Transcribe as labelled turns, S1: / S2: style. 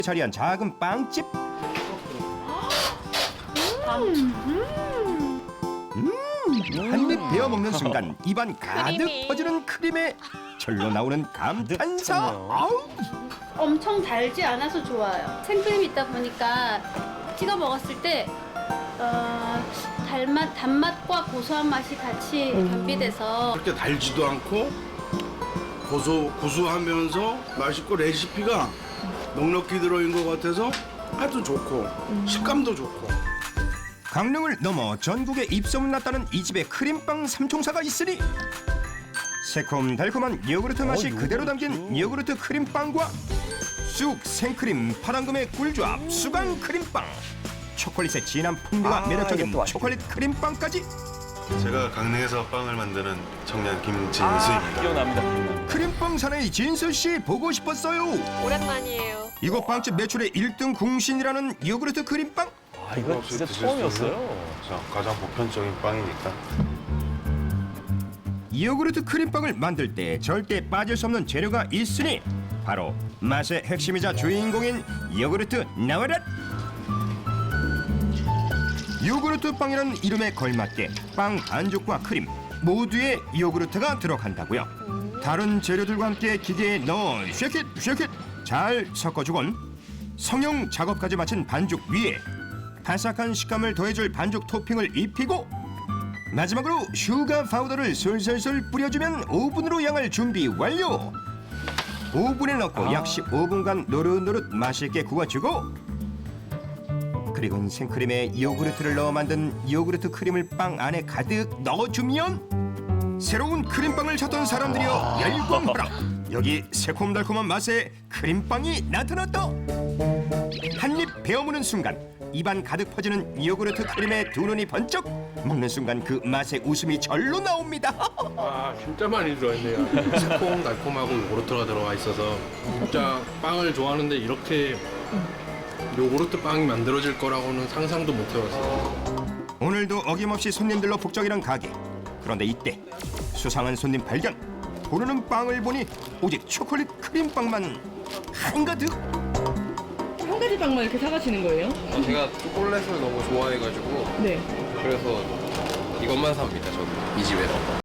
S1: 자리한 작은 빵집. 한 입 베어 먹는 순간 입안 가득
S2: 크림이.
S1: 퍼지는 크림에 절로 나오는 감탄사. 아우.
S3: 엄청 달지 않아서 좋아요. 생크림이 있다 보니까 찍어 먹었을 때 단맛과 고소한 맛이 같이 겸비돼서
S4: 그렇게 달지도 않고 구수하면서 맛있고 레시피가 넉넉히 들어있는 것 같아서 아주 좋고 식감도 좋고.
S1: 강릉을 넘어 전국에 입소문났다는 이 집의 크림빵 삼총사가 있으니 새콤달콤한 요구르트 맛이 그대로 담긴 요구르트 크림빵과 쑥, 생크림, 파당금의 꿀조합 수강 크림빵, 초콜릿의 진한 풍미가 매력적인
S5: 이것도 맛있겠다.
S1: 초콜릿 크림빵까지.
S6: 제가 강릉에서 빵을 만드는 청년 김진수입니다.
S5: 기억납니다.
S1: 크림빵 사나이 진수 씨 보고 싶었어요.
S2: 오랜만이에요.
S1: 이곳 빵집 매출의 1등 궁신이라는 요구르트 크림빵.
S5: 아, 이거 진짜 처음이었어요.
S6: 가장 보편적인 빵이니까.
S1: 요구르트 크림빵을 만들 때 절대 빠질 수 없는 재료가 있으니 바로 맛의 핵심이자 주인공인 요구르트 나와라. 요구르트 빵이라는 이름에 걸맞게 빵 반죽과 크림 모두에 요구르트가 들어간다고요. 다른 재료들과 함께 기계에 넣어 쉐킷 잘 섞어주곤 성형 작업까지 마친 반죽 위에 바삭한 식감을 더해줄 반죽 토핑을 입히고 마지막으로 슈가 파우더를 솔솔솔 뿌려주면 오븐으로 양을 준비 완료. 오븐에 넣고 약 15분간 노릇노릇 맛있게 구워주고 그리고 생크림에 요구르트를 넣어 만든 요구르트 크림을 빵 안에 가득 넣어주면 새로운 크림빵을 찾던 사람들이여 열광하라. 여기 새콤달콤한 맛의 크림빵이 나타났다. 한 입 베어무는 순간 입안 가득 퍼지는 요구르트 크림에 두 눈이 번쩍. 먹는 순간 그 맛의 웃음이 절로 나옵니다.
S7: 아 진짜 많이 들어있네요. 새콤달콤하고 요구르트가 들어가 있어서 진짜 빵을 좋아하는데 이렇게 요구르트 빵이 만들어질 거라고는 상상도 못 해봤어요.
S1: 오늘도 어김없이 손님들로 북적이는 가게. 그런데 이때 수상한 손님 발견. 고르는 빵을 보니 오직 초콜릿 크림빵만 한가득.
S8: 한 가지 빵만 이렇게 사가시는 거예요?
S9: 제가 초콜릿을 너무 좋아해가지고
S8: 네.
S9: 그래서 이것만 삽니다. 저도 이 집에서.